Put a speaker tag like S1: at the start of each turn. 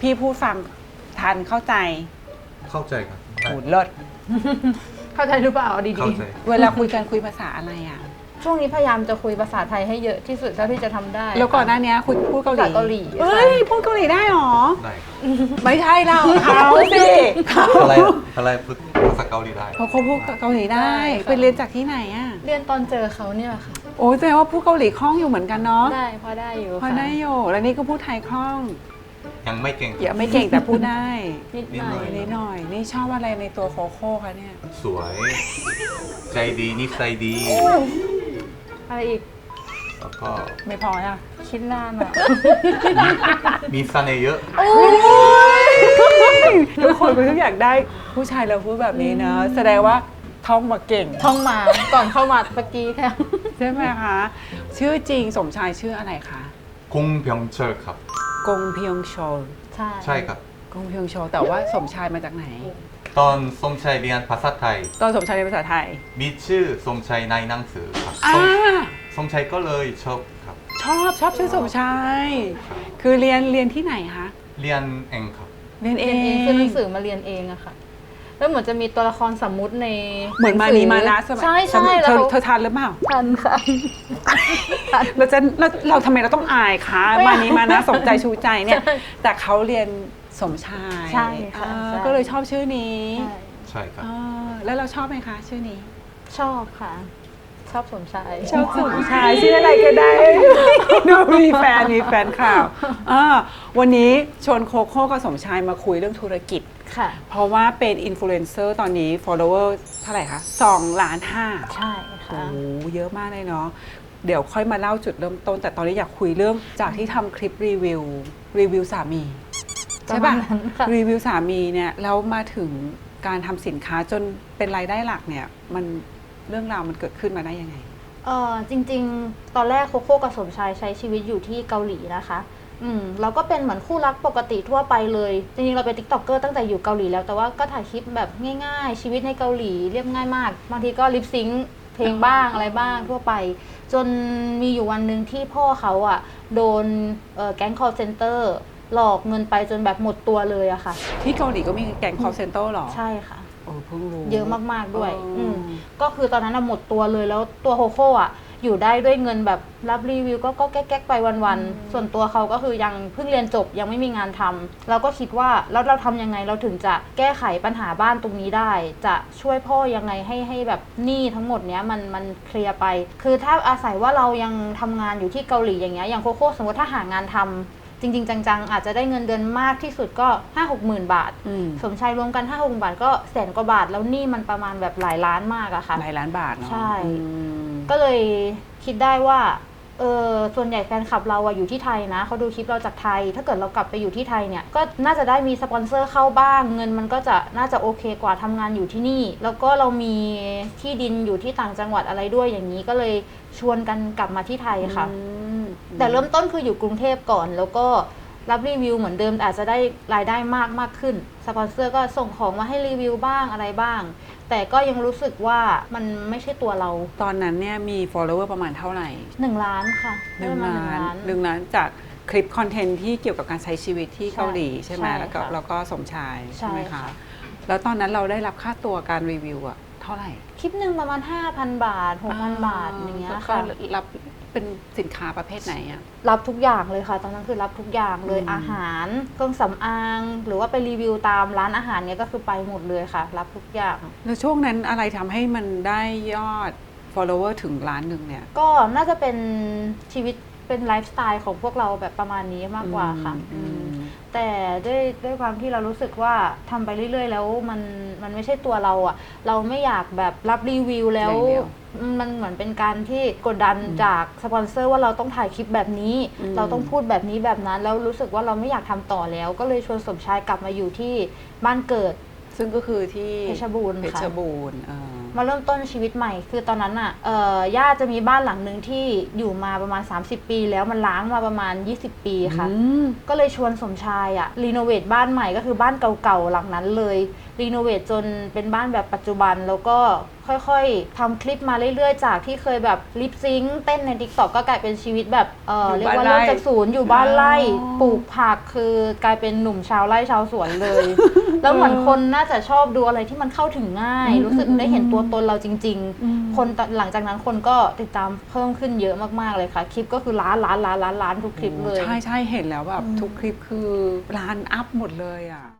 S1: พี่พูดฟังทันเข้าใจ
S2: เข้าใจครับ
S1: โหเลิศ
S3: เข้าใจหรือเปล่าเอาดี
S2: เข้าใจ
S1: เวลาคุยกันคุยภาษาอะไรอ่ะ
S3: ๆช่วงนี้พยายามจะคุยภาษาไทยให้เยอะที่สุดเท่าที่จะทำได้
S1: แล้วก่อนหน้านี้คุณพูดเกาหลี
S3: ภาษาเกาหลี
S1: เอ้ยพูดเกาหลีได้หรอ
S2: ได้ครับ
S1: ไม่ใช่เราเขาสิเขา
S2: อะไรพูดภาษาเกาหลีได้
S1: เขาพูดเกาหลีได้
S3: ได้ค่ะ
S1: ไปเรียนจากที่ไหนอ่ะ
S3: เรียนตอนเจอเขาเนี่ยแหละค่ะ
S1: โอ้ยแสดงว่าพูดเกาหลีคล่องอยู่เหมือนกันเนาะ
S3: ได้พอได้อยู่
S1: พอ
S3: ค่ะ
S1: ได้อยู่แล้วนี่ก็พูดไทยคล่อง
S2: ยังไม่เก่ง
S1: อย่าไม่เก่งแต่พูดได้
S3: นิดหน่อย
S1: นิดหน่อยนี่ชอบอะไรในตัวโคโค่คะเนี่ย
S2: สวย ใจดีนิสัยดี
S3: อะไรอีก
S2: แล้วก็
S1: ไม่พออ่ะ
S3: คิดนานอ่ะ
S2: มีเสน่ห์เยอะ
S1: ทุกคนก็อยากได้ผู้ชายเราพูดแบบนี้เนอะแสดงว่าท่องมาเก่ง
S3: ท่องมาก่อนเข้ามาเมื่อกี้แค่
S1: ใช่ไหมคะ ชื่อจริงสมชายชื่ออะไรคะ
S2: คงเพียงเชอครับ
S1: กงเพียงโชล
S3: ใช่
S2: ใช่ครับ
S1: กงเพียงโชลแต่ว่าสมชายมาจากไหน
S2: ตอนสมชัยเรียนภาษาไทย
S1: ตอนสมชายในภาษาไทย
S2: มีชื่อสมชัยในหนังสือครับ
S1: อ่า
S2: สมชัยก็เลยชอบครับ
S1: ชอบชื่อสมชาย คือเรียนที่ไหนคะ
S2: เรียนเองครับ
S1: เรียนเอ
S3: เรียนเอง
S1: ง
S3: ซื้อหนังสือมาเรียนเองอะค่ะ แล้วเหมือนจะมีตัวละครสมมุติใน
S1: เหมือนมานีมานะสมัย
S3: ใช่ใช่
S1: เธ
S3: แล้
S1: อ
S3: ว
S1: เธอทันหรือเปล่า
S3: ทันค่ะ
S1: เราทำไมเราต้องอายคะ
S3: ไม่
S1: มา
S3: เอา
S1: นีมานะสมใจชูใจเนี่ย แต่เขาเรียนสมชาย
S3: ใช่ค่ะ
S1: อ่า
S3: ใช่
S1: ก็เลยชอบชื่อนี้
S3: ใช่
S2: ใช่ครับ
S1: อ่าแล้วเราชอบไหมคะ ชื่อนี้
S3: ชอบค่ะ ชอบสมชาย
S1: ชอบสมชายชื่ออะไรก็ได้ ดูมีแฟนข่าววันนี้ชวนโคโค่กับสมชายมาคุยเรื่องธุรกิจ
S3: ค่ะ
S1: เพราะว่าเป็นอินฟลูเอนเซอร์ตอนนี้ follower เท่าไหร่คะ2.5 ล้าน
S3: ใช่
S1: โอ้
S3: ค่ะ
S1: โหเยอะมากเลยเนาะเดี๋ยวค่อยมาเล่าจุดเริ่มต้น แต่ตอนนี้อยากคุยเรื่องจากที่ทำคลิปรีวิวสามี ใช่
S3: ป
S1: ป่ะ
S3: ระมาณนั้นค่ะ
S1: รีวิวสามีเนี่ยแล้วมาถึงการทำสินค้าจนเป็นรายได้หลักเนี่ยมันเรื่องราวมันเกิดขึ้นมาได้ยังไง
S3: จริงๆ ตอนแรกโคโค่กับสมชายใช้ชีวิตอยู่ที่เกาหลีนะคะเราก็เป็นเหมือนคู่รักปกติทั่วไปเลย จริงๆ เราเป็นติ๊กต็อกเกอร์ตั้งแต่อยู่เกาหลีแล้ว แต่ว่าก็ถ่ายคลิปแบบง่ายๆ ชีวิตในเกาหลีเรียบง่ายมาก บางทีก็ลิปซิงค์เพลงบ้างอะไรบ้างทั่วไป จนมีอยู่วันหนึ่งที่พ่อเขาอ่ะโดนแก๊ง call center หลอกเงินไปจนแบบหมดตัวเลยอะค่ะ
S1: ที่เกาหลีก็มีแก๊ง call center หรอ
S3: ใช่ค่ะ
S1: โอ้เพิ่งรู้
S3: เยอะมากๆด้วย
S1: อ๋อ
S3: ก็คือตอนนั้นหมดตัวเลยแล้วตัวโคโค่อะอยู่ได้ด้วยเงินแบบรับรีวิวก็แก๊กๆไปวันๆส่วนตัวเขาก็คือยังเพิ่งเรียนจบยังไม่มีงานทำเราก็คิดว่าแล้วเราทำยังไงเราถึงจะแก้ไขปัญหาบ้านตรงนี้ได้ จะช่วยพ่อยังไงให้แบบหนี้ทั้งหมดเนี้ยมันเคลียร์ไป คือถ้าอาศัยว่าเรายังทำงานอยู่ที่เกาหลีอย่างเงี้ยอย่างโคโค่สมมติถ้าหางานทำจริงๆจังๆอาจจะได้เงินเดือนมากที่สุดก็ 5-6 หมื่นบาท
S1: อืม
S3: สมชายรวมกัน 5-6 บาทก็แสนกว่าบาท แล้วหนี่มันประมาณแบบหลายล้านมากอะค่ะ
S1: หลายล้านบาทเนาะ
S3: ใช่
S1: อืม
S3: ก็เลยคิดได้ว่าส่วนใหญ่แฟนคลับเราอะอยู่ที่ไทยนะเขาดูคลิปเราจากไทย ถ้าเกิดเรากลับไปอยู่ที่ไทยเนี่ยก็น่าจะได้มีสปอนเซอร์เข้าบ้าง เงินมันก็จะน่าจะโอเคกว่าทำงานอยู่ที่นี่ แล้วก็เรามีที่ดินอยู่ที่ต่างจังหวัดอะไรด้วยอย่างนี้ก็เลยชวนกันกลับมาที่ไทยค่ะ แต่เริ่มต้นคืออยู่กรุงเทพก่อน แล้วก็รับรีวิวเหมือนเดิมแต่อาจจะได้รายได้มากขึ้นสปอนเซอร์ก็ส่งของมาให้รีวิวบ้างอะไรบ้าง แต่ก็ยังรู้สึกว่ามันไม่ใช่ตัวเรา
S1: ตอนนั้นเนี่ยมี follower ประมาณเท่าไหร่
S3: 1 ล้านค่ะ
S1: หนึ่ง
S3: ได้ประมาณ
S1: ล้าน
S3: 1 ล้าน
S1: หนึ่งล้านจากคลิปคอนเทนต์ที่เกี่ยวกับการใช้ชีวิตที่เกาหลีใช่ไหม
S3: ใช่
S1: แล้วก็
S3: ค่ะ
S1: แล้วก็สมชาย
S3: ใช่
S1: ใช่ไหมคะ
S3: ค่ะ
S1: แล้วตอนนั้นเราได้รับค่าตัวการรีวิวอะเท่าไหร่
S3: คลิปหนึ่งประมาณ 5,000 บาท 6,000 บาทอย่างเงี้ย
S1: แล้วก็
S3: ค่ะ
S1: รับเป็นสินค้าประเภทไหนอะ
S3: รับทุกอย่างเลยค่ะ ตอนนั้นคือรับทุกอย่างเลย
S1: อืม
S3: อาหารเครื่องสำอาง หรือว่าไปรีวิวตามร้านอาหารเนี้ยก็คือไปหมดเลยค่ะ รับทุกอย่าง
S1: แล้วช่วงนั้นอะไรทำให้มันได้ยอด follower ถึงล้านหนึ่งเนี่ย
S3: ก็น่าจะเป็นชีวิตเป็นไลฟ์สไตล์ของพวกเราแบบประมาณนี้มากกว่าค่ะ
S1: อืม
S3: แต่ด้วยความที่เรารู้สึกว่าทำไปเรื่อยๆ แล้วมันไม่ใช่ตัวเราอะเราไม่อยากแบบรับรีวิวแล้ว
S1: อย่างเดียว
S3: มันเหมือนเป็นการที่กดดันจากสปอนเซอร์ว่าเราต้องถ่ายคลิปแบบนี้ เราต้องพูดแบบนี้แบบนั้น แล้วรู้สึกว่าเราไม่อยากทำต่อแล้ว ก็เลยชวนสมชายกลับมาอยู่ที่บ้านเกิด
S1: ซึ่งก็คือที่
S3: เพชรบูรณ์
S1: เพ
S3: ค่ะ
S1: ชรบูรณ์
S3: มาเริ่มต้นชีวิตใหม่ คือตอนนั้นอ่ะย่าจะมีบ้านหลังหนึ่งที่อยู่มาประมาณ30 ปี แล้วมันล้างมาประมาณ20 ปีค่ะ ก็เลยชวนสมชายอะรีโนเวทบ้านใหม่ก็คือบ้านเก่าๆหลังนั้นเลยรีโนเวทจนเป็นบ้านแบบปัจจุบันแล้วก็ค่ค่อยๆทำคลิปมาเรื่อยๆจากที่เคยแบบลิปซิงค์เต้นใน TikTok ก็กลายเป็นชีวิตแบบเรียกว่าเริ่มจากศูนย์อยู่บ้านไร่ปลูกผักคือกลายเป็นหนุ่มชาวไร่ชาวสวนเลย แล้วเหมือนคนน่าจะชอบดูอะไรที่มันเข้าถึงง่าย รู้สึกได้เห็นตัวตนเราจริงๆคนหลังจากนั้นคนก็ติดตามเพิ่มขึ้นเยอะมากๆเลยค่ะคลิปก็คือล้านทุกคลิปเลย
S1: ใช่เห็นแล้วแบบทุกคลิปคือล้านอัพหมดเลยอ่ะ